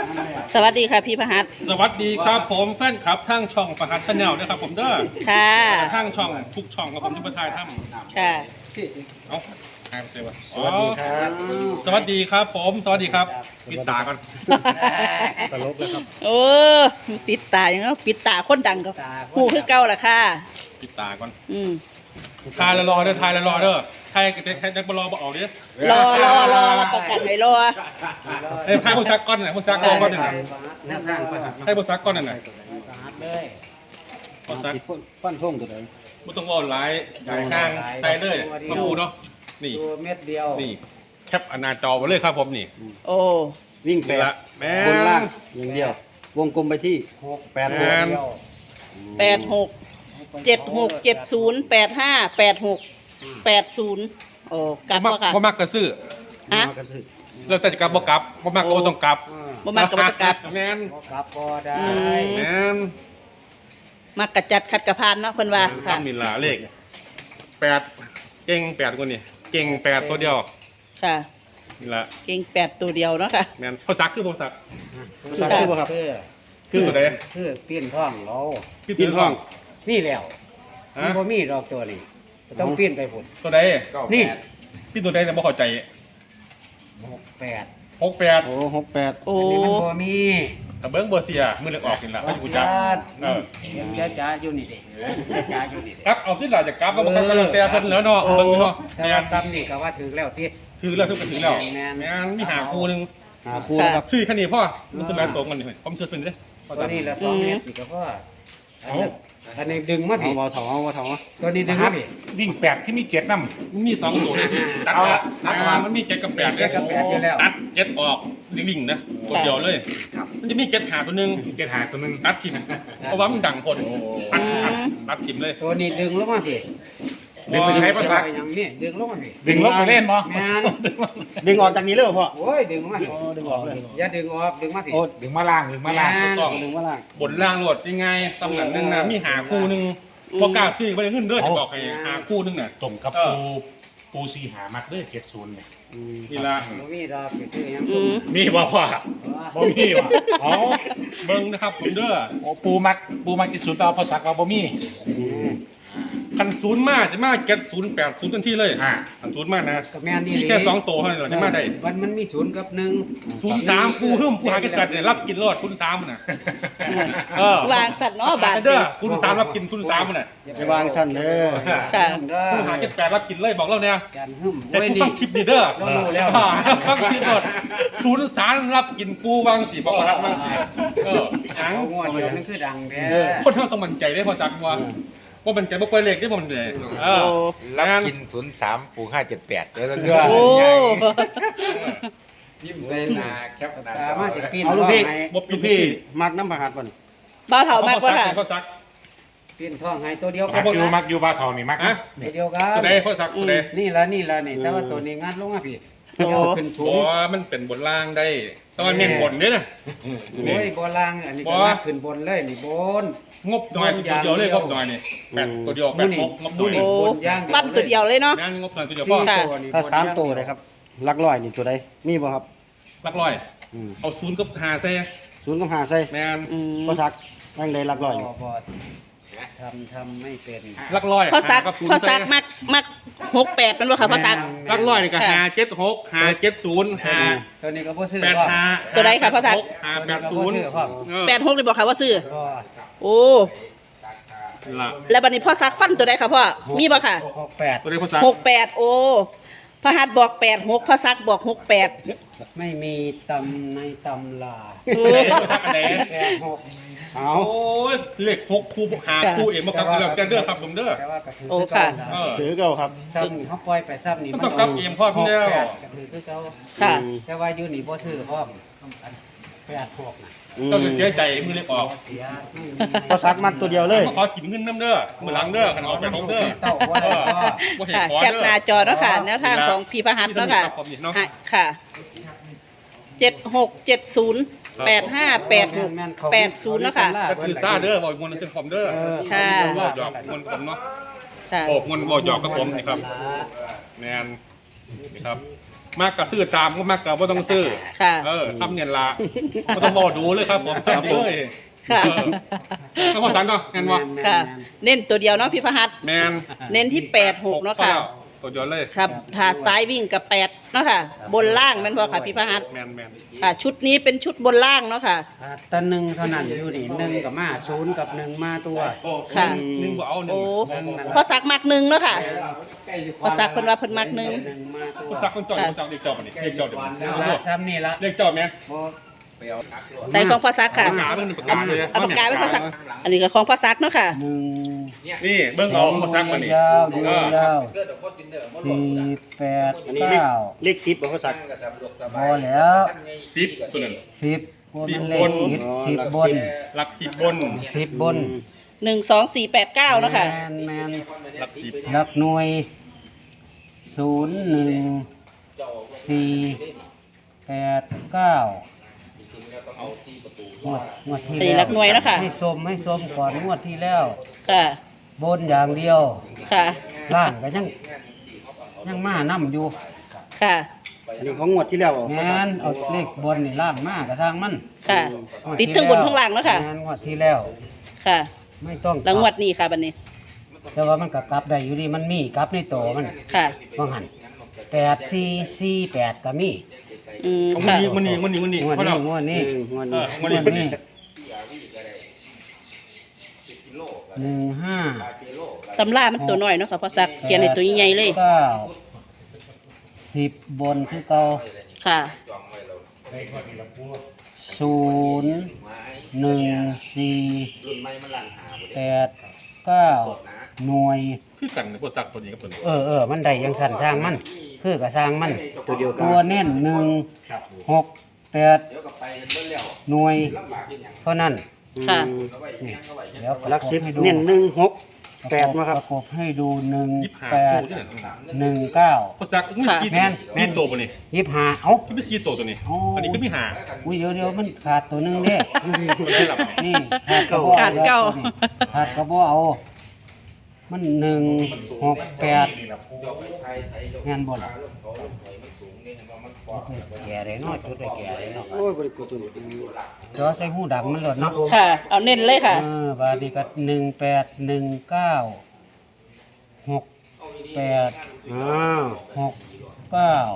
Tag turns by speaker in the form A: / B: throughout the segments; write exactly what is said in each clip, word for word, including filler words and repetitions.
A: สวัสดีค่ะพี่พหัส
B: สวัสดีครับผมแฟนคลับทั้งช่องประหัสชาแนลนะครับผมเด้อ
A: ค่ะ
B: ทั้งช่องทุกช่องกับผมที่ประทายถ้ำ
A: ค่ะ
B: เอาหายไปเลยวะ
C: สวัสดีครับ
B: สวัสดีครับผมสวัสดีครับปิดตาก่อน
C: ตลกแล้วครับ
A: โอ้ปิดตาอย่างเงี้ยปิดตาคนดังก็หูคือเก่าล่ะค่ะ
B: ปิดตาก่อน
A: อืม
B: ทายละรอเด้อทายละรอเด้อทายทายนักบอลรอบอกออกดิ
A: รอรอรอประกันไว้รอ
B: เอ้ยทายผู้ซักก้อนน่ะผู้ซักก้อนน่ะ
C: แนวทางประหัส
B: ทายผู้ซักก้อนน่ะ
D: เลย
B: ผู้ซัก
C: ฟันท่งตัวไหน
B: ไม่ต้องวอลไลท์ใส่ข้างใส่เลยมาพูเนาะนี่
D: ตัวเม็ดเดียว
B: นี่แคปอนาจอไปเลยครับผมนี่
A: โอ้
C: วิ่งแปด
B: ละแม่
C: บนล่างอย่างเดียว วงกลมไปที่
D: หก
C: แปด
B: แม่
C: หก
B: น
D: เดียว
A: แปดหกเจ็ดหกเจ็ดศูนย์แปดห้าแปดหกแปดศูนย์โอ้กลับ
B: บ่
A: บ่ค่ะ
B: บ่มักกระซื้อ
A: ฮะ
C: มากระสือ
B: เราแต่จะกลับบ่กลับบ่มักก็บ่ต้องกลับ
D: อ่า
A: บ่มักกับบ่ต้องกลับ
B: แม่น
D: บ่กลับก็ได้
A: อืม
B: แม่น
A: มักกระจัดขัดกระพานเนาะเพิ่นว่าค่ะ
B: ทำมีหลาเลขแปดเก่งแปดคนนี่เก่งแปดตัวเดียว
A: ค่ะ
B: นี่ละ
A: เก่งแปดตัวเดียวเนาะค่ะ
B: แม่นพอซักคือพอซัก
C: ภาษาคือบ่ครับ
D: คือ
B: คือตัวใด
D: คือปีนท้องเรา
C: ปีนห้อง
D: นี่แล้ว
B: ฮะ
D: มันบ่มีดอกตัวนี้ต้องปีนไปพุ่น
B: ตัวใด
D: นี่
B: พี่ตัวใดแต่บ่เข้าใจ
D: หกแปด
B: หกแปด
C: โอ้หกแปด
A: โอ้
D: อันนี้มันบ่มี
B: ถ้าเบิ้งบ่เสียมือเล็กออกนี่ล่ะไม่กูจับเออ
D: ยังจ้าจ้าอยู่นี่ดิจ้าจ้าอยู่นี่ดิ
B: กลับเอาที่หลาจะกลับก็บ่กลับก็แล้วแต่เพิ่นแล้วเนาะเบิ่งอยู่เนาะ
D: แต่
B: แม่
D: ว่าน ซ้ำนี่ก็ว่าถึงแล้วที่
B: ถือแล้วถือก็ถือแล้ว
D: แม่น
B: แม่นมีหาคู่นึง
C: หาคู่นะครับ
B: ซื้อแค่นี้พ่อมันสิแม่นตรงกันนี่ผมเชื่อตัวนี้เด้พอ
D: ตัว
B: จับ
D: นี้ละสองเม็ดนี่ก็พออันนั้นอันนี้ดึงมา
C: เอา
D: พี่
C: เบาเถาเอาเบาเถา
D: ตัวนี้ดึงมาพี่
E: วิ่งแปดที่มีเจ็ดน้ำ
B: มันมีสองตัวนี่ตัด
E: เอา
B: ละ
E: ตั
B: ตั
E: ด
B: ด
E: มา
B: มามันมีเจ็ดกับแปด
D: เจ็ดกับแปดอยู่แล้ว
B: ตัดเจ็ดออกวิ่งๆนะตัวเดียวเลย มันจะมีเจ็ดหาตัวหนึง
E: เจ็ดหาตัวหนึง
B: ตัดทิมเพราะว่ามันดังคนตัดตัดตัดทิมเลย
D: ตัวนี้ดึงลงมาพี่
E: ดึงไปใช้ภาษา
D: เออย่างนี้ดึงลงมาพี่
E: ดึงลบไปเล่นมั้
D: แม่น
C: ดึงออกจากนี้เลยเหรอพ่อ
D: โอ้ยดึงมาพี่
C: โอ้ดึงออกเลย
D: อย่าดึงออกดึงมาพี่
C: โอ้
E: ดึงมาล่างดึงมาล่าง
D: แม่น
B: ต้อง
C: ดึงว่าล่าง
B: บนล่างโหลดยังไงตำแหน่งหนึงนะมีหาคู่หนึงพอกล้าซื้อไปขึ้นเด้อจะบอกให้หาคู่หนึงน่ะ
E: ตรงกับ
B: เออ
E: ปูปูซีหามักด้วยเจ็ดศูนย์เนี่ย
C: อืม
B: นี่ละ
D: บ่มีดอกสิซื้อหยัง
A: อืม
E: มีว่าพ่อบ่มีว่ะอ๋อ
B: เบิ้งนะครับผมเด้อ
E: โอ้ปูมักปูมักเจ็ดศูนย์ต่อภาษาเราบ่มี
B: คันศูนย์มาจะมาเก็ตศูนย์แปดศูนย์ทันทีเลย
E: อ่า
B: คันศูนย์มานะ
D: ก็แม่นนี่
B: มีแค่สองตัวเท่านั้นเหรอจะมาได้
D: มันมันมีศูนย์กับหนึ่ง
B: ศูนย์สามผู้หึ่มผู้หากินกัดเนี่ยรับกินรอดศูนย์สามน่ะเออ
A: วางสัตว์เนาะบาท
B: เด้
A: เดี
B: อ
A: ยว
B: ศูนย์สามรับกินศูนย์สามน่ะ
C: ไปวางชั้นเด้อ
A: ค่ะ
B: ผู้หากินแปดรับกินเลยบอกเราเนี่ย
D: การหึ่ม
B: แต่
D: โอ้ย
B: ผู้
D: นี่
B: ฟังคลิปดีเด้อ
D: เรารู้แล้ว
B: อ่าฟังคลิปหมดศูนย์สามรับกินปูวางสีบอกว่ารับวางสีเออหยัง
D: เอางวดเดียวนั่นคือดังแท้
B: คนเท่าต้องมั่นใจได้พอจักว่าว่ามันใจบ่ปล่อยเลขได้บ่มันเลยเออ
A: โอ้
F: รับกินศูนย์สามปูห้าเจ็ดแปดเดี๋ยวเราเลือก
A: โอ้
F: ยิ้มใส่หน้าแคปหน้า
D: ตามาสิปีน
C: เอาลูกพี่
D: ท้องให้
B: บ่
C: ลู
B: ปิด
C: กพี่มักน้ำประหัสป่ะนี่
A: บ่าวเฒ่ามากกว่าค่ะ
B: พ่อซัก
D: ปีนท้องให้ตัวเดียว
E: มักอยู่มักอยู่บ้าทองนี่มัก
B: ฮะ
D: ตัวเดียวกั
B: ตัวน ใดพ่อซักตัวใด
D: นี่ละนี่ละนี่แต่ว่าตัวนี้งัดลงมาพี่
A: โอ้
D: เดี๋ยวขึ้นสู
B: บ่
D: ง
B: มันเป็นบนล่างได้แต่ว่าเน้นบนนี่นะ
D: โอ้ยบอลางอันนี้ก็
B: บ่
D: งัดขึ้นบนเลยนี่บน
B: งบหน่อยตัวเดียวเลยงบหน่อยนี่แปดตัวเดียวแปดงบงบหน่อย
A: โอ้
D: บนย่างเดียว
A: ฟันตัวเดียวเลยเนาะ
B: งานงบหน่อยตัวเดียว
D: สี่
B: พ่อ
A: ค่ะ
D: ตัวนี่
C: ถ้าสาม
D: บนย่ง
C: ตัวเลยครับหลักร้อยนี่ตัวใดมีบ่ครับ
B: หลักร้อย
C: อืม
B: เอาศูนย์กับหาใส่
C: ศูนย์กับหาใส่
B: แม่น
A: อืม
C: ก็ซักนั่งเลยหลักร้อยนี่
D: บ่บ่ทำทำไม่เป็น
B: หลักร้อย
A: พ่อซัก
B: หาบศูนย์
A: พ่อซัก
B: ใส่
A: มักมักหกแปดมันบ่ค่ะพ่อซัก
B: หลักร้อยนี่ก็หาเจ็ดหกหาเจ็ดศูนย์หา
D: ตัวนี้ก็บ่ซื้อ
B: แปด
D: พ่อ
B: หา
A: ตัวใดครับพ่อซัก
B: หาแปดศูนย์
D: ตัวนี้ก็บ่ซื้อพ่อ
B: เออ
A: แปดหกเลยบอกค่ะว่าซื้อ
D: ก็
A: โอ้
B: ล่ะ
A: แล้วบัดนี้พ่อซักฟันตัวใดค่ะพ่อมีบ่ค่ะ
D: หกแปด
B: ตัวใดพ่อซัก
A: หกแปดโอ้พระหัตถ์บอกแปดหกพระซักบอกหกแปด
D: ไม่มีตำในตำลา
A: โอ้
B: ตัวใดพ่อซักอันไหน
D: แปดหก
C: เอา
B: โอ้ยเลขหกคู่หาคู่เองมาครับเรื่องแกเด้อครับผมเด้อ
D: แต่ว่าก็ถือ
A: โอ้ค่ะ
B: เออ
C: ถือเก่าครับ
D: ซ้ำนี่เขาปล่อยไปซ้ำนี่
B: มันต้องกลับเองพ่อพี่แล้ว
D: หกปดก็ถือคือเขา
A: ค่ะ
D: แต่ว่าอยู่นี่บ่ซื้อพร้อมแปดหกน่ะ
C: อืม
B: เจ้าจะเสียใจมือเล็กออก
D: เสียไม่มี
C: ก็ซักมักตัวเดียวเลย
B: ขอกินเงินน้ำเด้อมือหลังเด้อขนมแปดหกเด้อ
D: เต้าว่าได้ก็
B: บ่เห็น
A: ค่ะ
B: ขอ
A: แคป
B: เด้อ
A: หน้าจอเนาะค่ะแนวทางของพี่พระหัตถ์เนาะค่ะให้ค่ะเจ็ดหกเจ็ดศูนย์แปดห้าแปดหกแปดศูนย์เนาะค่ะ
B: ก็คือซาเด้อบอกมวลนึงคอมเด้อ
A: ค่ะ
B: บอกหยอกมวลผมเนาะ
A: ค่ะ
B: บอกมวลบอกหยอกกับผมนี่ครับแมนนี่ครับมากกับซื้อตามก็มากกับว่าต้องซื้อ
A: ค่ะ
B: เออซ้ำเนียนละก็ต้องบอกดูเลยครับผมจำเลย
A: ค่ะ
B: เออต้องพอสันเนาะงั้นวะ
A: ค่ะ เน้นตัวเดียวเนาะพี่พหัส
B: แมน
A: เน้นที่แปดหกเนาะค่ะ
B: ตัวเดียวเลย
A: ครับถ้าซ้ายวิ่งกับแปดเนาะค่ะ บนล่างแมันบ่ค่ะพี่พหัส
B: แมนแมน
A: ค่ะ ชุดนี้เป็นชุดบนล่างเนาะค่ะ
D: อ่าแตะหนึ่งเท่านั้นอยู่นี่หนึ่งกับมาศูนย์กับหนึ่งมาตัว
A: ค่ะ
B: หนึ่งบ่เอาหนึ่
A: โอ้
B: ง
A: พอสักมักหนึ่งเนาะค่ะพอสักเพิ่นว่าเพิ่นมักหนึ่ง
D: หนึ่งมาตัว
B: ผู้สักคนจอดผู้สักเรียกจอดมานี่เรียกจอดเดี๋ยว
D: นี่ละซ้ำนี่ละ
B: เรียกจอดแมน
A: ใส่ของพอสักค่ะ
B: ปากกาเบิ่งปากกาเลย
A: เอาปากกาไว้พอสัก อันนี้ก็ของพอสักเนาะค่ะ
D: หนึ่ง
B: นี่เบิ่งเอาพอสักมานี่
D: ยาวดู
B: เออย
D: าวสี่แปด
C: อันนี้เลข
D: เก้า
C: เลขติดบ่เขาสัก
D: พอแล้ว
B: สิบตัวนั้น
D: สิบคน
B: สิบ
D: เล
B: บ
D: ข
B: น
D: ติดสิบบน
B: หลักสิบบน
D: สิบบน
A: หนึ่งสองสี่แปดเก้าเนาะค่ะ
D: แมนแมน
B: หลักสิบ
D: หลักหน่วยศูนย์หนึ่งสี่แปดเก้างวดงวดที่
A: อันนี้
D: แล้ว
A: หลักหน่วยเนาะค่ะ
D: ให้สมให้สมก่อนงวดที่แล้ว
A: ค่ะ
D: บนอย่างเดียว
A: ค่ะ
D: ล่างก็ยังยังมานํอยู่
A: ค่ะ
C: อันนี้ของงวดที่แล้วบ่
D: แมนเอาเลขบนนี่ล่างมากกระทางมัน
A: ค่ะ
D: งว
A: ติดทั้งบนทั้งล่างเนาะค่ะ
D: แมนงวดที่แล้ว
A: ค่ะ
D: ไม่ต้อง
A: แล้วงวดนี้ค่ะบัดนี้
D: แต่ว่ามันก็กลับได้อยู่ดีมันมีกลับในโตมัน
A: ค่ะ
D: ว่าหันแปดสี่สี่แปดก็มี
A: อืม
B: มัน
A: ค่ะ
B: นี่มันนี่มันนี่มันนี่
D: งวด
B: เพราะ
D: นี้
B: เรา
D: งวด
C: เอ
D: นี้
C: องวด
B: เอ
C: นี้
B: อมันนี่มันนี่
D: หนึ่งห้า
A: ตำรามันตัวน้อยเนาะค่ะพอสักเขียนในตัวใหญ่ๆเลย
D: เก้าสิบบนคือเก่า
A: ค่ะ
D: ศูนย์หนึ่งสี่แปดเก้าหน่วย
B: คือกันนะพวกสักตัวนี้กับตัวนี้
D: เออเออมันได้ยังสั่นสร้างมัน คือกับสร้างมัน
C: ตัวเดียวกัน
D: ตัวเน้นหนึ่งหกแปดหน่วย เพราะนั้น
A: ค่ะ
D: นี่เดี๋ยว
C: หลักสิบ
D: ให้ดู
C: เน้นหนึ่งหกแปดมาค
D: ป
C: รับ
D: ระกบให้ดูหนึ่ง
B: ยิบหา
D: แปด
B: ตัวนี่นะ
D: หนึ่งเก้า
B: พวกสักมันมีสี่
D: แม่นแม่
B: สี่
D: น
B: ตัวปะนี่
D: ยี่สิบห้าเอ้า
B: ที่เป็นสี่ตัวตัวนี้
D: อ๋ออั
B: อันนี้ก็มีหา
D: อุ้ยเดี๋ยวเดี๋ยวมันขาดตัวหนึงเด้
B: ได้หลับ
D: นี่ขาดกระบอก
A: ขาดเก้า
D: ขาดกระบอกเอา มันหนึ่งหกแปดงานบนแก่เลยเนาะจุดได้แก่เลยเนาะ
C: โอ้ยบริกรตัวนี้
D: จอใส่หูดังมันหลดเนาะ
A: ค่ะ เอาเน้นเลยค่ะ
D: เออบาดนีก็หนึ่งแปดหนึ่งเก้าหกแปด
C: อ้าว
D: หกเก้า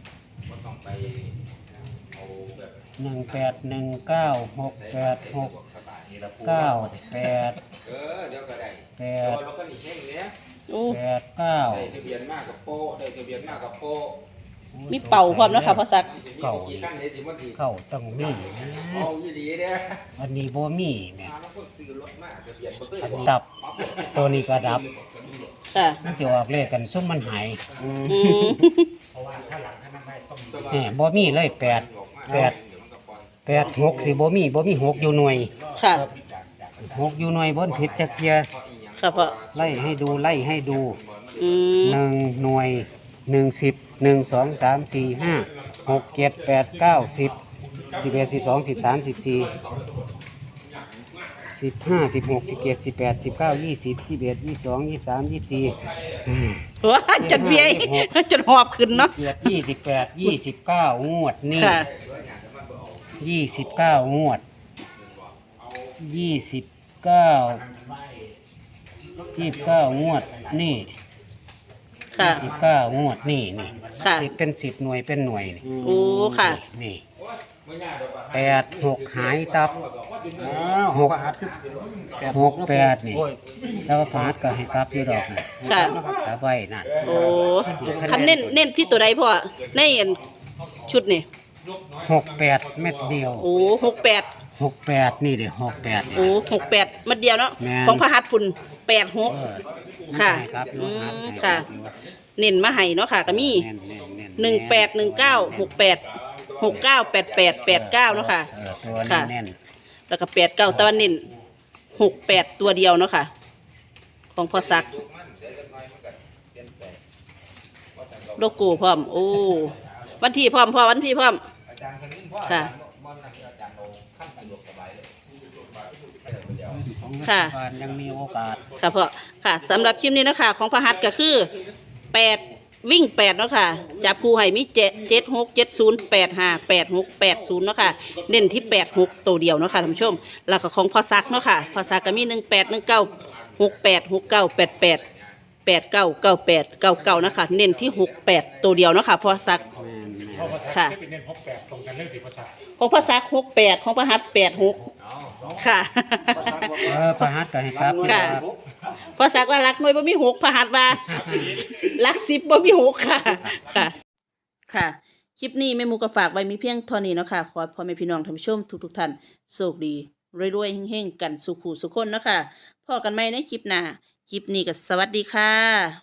D: หนึ่งแปดหนึ่งเก้าหกแปดหกเก้าแปดแปด
A: โอ้
D: แปดเก้า
F: ทะเบียนมากกับโป้ได้ทะเบียนมากกับโป้
A: มีเป่าพร้อมเนาะค่ะพอสัก
D: เก่า
F: กี่ขั้นเลยจิมันดี
D: เข้าต้องมี
F: เอายี่ดีเด้
D: อันนี้บ่มีแม่
F: มาแล้วก็ซื้อรถมากทะเบียนบ่เคย
D: อัน
F: บอก
D: ดับตัวนี้ก็ดับ
A: ค่ะ
D: มันจะออกเลขกันซุ่มมันหาย
C: อืม
A: อืม
D: แหมบ่มีเลยแปดแปดแปดหกสิบ่มีบ่มีหกอยู่หน่วย
A: ค่ะ
D: หกอยู่หน่วยบนผิดจักเทีย
A: ค่ะพ่อ
D: ไล่ให้ดูไล่ให้ดู
A: อืม
D: หนึ่งหน่วยหนึ่งสิบหนึ่งสองสามสี่ห้าหกเจ็ดแปดเก้าสิบสิบเอ็ดสิบสองสิบสามสิบสี่สิบห้าสิบหกสิบเจ็ดสิบแปดสิบเก้ายี่สิบยี่สิบเอ็ดยี่สิบสองยี่สิบสามยี่สิบสี่
A: ว้าจนเบี้ยจนหอบขึ้นเนาะ
D: เจ็ดยี่สิบแปดยี่สิบเก้างวดนี่
A: ค่ะ
D: ยี่สิบเก้างวดยี่สิบเก้ายี่สิบเก้างวดนี่
A: ค่ะ
D: สิบเก้างวดนี่นี่
A: ค่ะ
D: สิบเป็นสิบหน่วยเป็นหน่วยนี่
A: โอ้ค่ะ
D: นี่แปดหกหายตับ
C: อ้าวหกหัดคือแปด
D: หกแปดนี่
C: โอ้ย
D: แล้วก็ฟาดก็ให้กลับอยู่ดอกนี่
A: ค่ะ
D: กลับไว้นั่น
A: โอ้คันเน้นเน้นที่ตัวใดพ่อในอันชุดนี่
D: หกแปดเม็ดเดียว
A: โอ้หกแปด
D: หกแปดนี่เดี๋ยวหกแปด
A: โอ้หกแปดมัดเดียวเนาะ
D: แม่น
A: ของพระหัตถ์พุ่นแปดหก
D: เออ
A: ค่ะ
D: ให้กลับอยู่
A: อืม
D: หาให้
A: ค่ะ
D: กลับอยู่
A: เน้นมาให้เนาะค่ะก็มี
D: แน่นแน่นแน่น
A: หนึ่งแปดหนึ่งเก้าหกแปดหกเก้าแปดแปดแปดเก้าเนาะค่ะ
D: เออตัว
A: ค่ะ
D: แน่น
A: แล้วก็แปดเก้าตะวันเน้นหกแปดตัวเดียวเนาะค่ะ ของพ่อซักโลโก้พร้อม โอ้วันที่พร้อมพ่อวันที่พร้อม
F: อาจารย์คนนี้พ่อ
A: ค่ะ
F: บอลนั่นอาจารย์โนขั้นสะดวกสบายเลย
D: ๆของรัฐ
A: ค่ะ
D: บาลยังมีโอกาส
A: ค่ะพ่อค่ะสำหรับคลิปนี้เนาะคะของพระหัตถ์ก็คือแปดวิ่งแปดเนาะค่ะจับคู่ให้มีเจ็ดเจ็ดหกเจ็ดศูนย์แปดห้าแปดหกแปดศูนย์เนาะค่ะเน้นที่แปดหกตัวเดียวเนาะค่ะท่านผู้ชมแล้วก็ของพอซักเนาะค่ะพอซักก็มีหนึ่งแปดหนึ่งเก้าหกแปดหกเก้าแปดแปดแปดเก้าเก้าแปดเก้าเก้านะคะเน้นที่หกแปดตัวเดียวเนาะค่ะพอซัก
D: แม่นแม่
E: เพราะ
D: น
E: ภาษา
A: ค่ะ
E: เป็นเน้นหกแปดตรงกันเรื่องที่ภาษา
A: ของพอซักหกแปดของพระหัตแปดหกค่ะ
D: เออพระหัตถ์ก็ให้กลับ
A: ค่ะ
D: ครับ
A: พอสักว่ารักหน่วยบ่มีหกพระหัตถ์ว่ารักสิบบ่มีหกค่ะค่ะ ค่ะ คลิปนี้แม่หมูก็ฝากไว้มีเพียงเท่านี้เนาะค่ะขอให้พ่อแม่พี่น้องท่านผู้ชมทุกๆท่านโชคดีรวยๆเฮงๆกันสุขุสุขคนเนาะค่ะพอกันใหม่ในคลิปหน้าคลิปนี้ก็สวัสดีค่ะ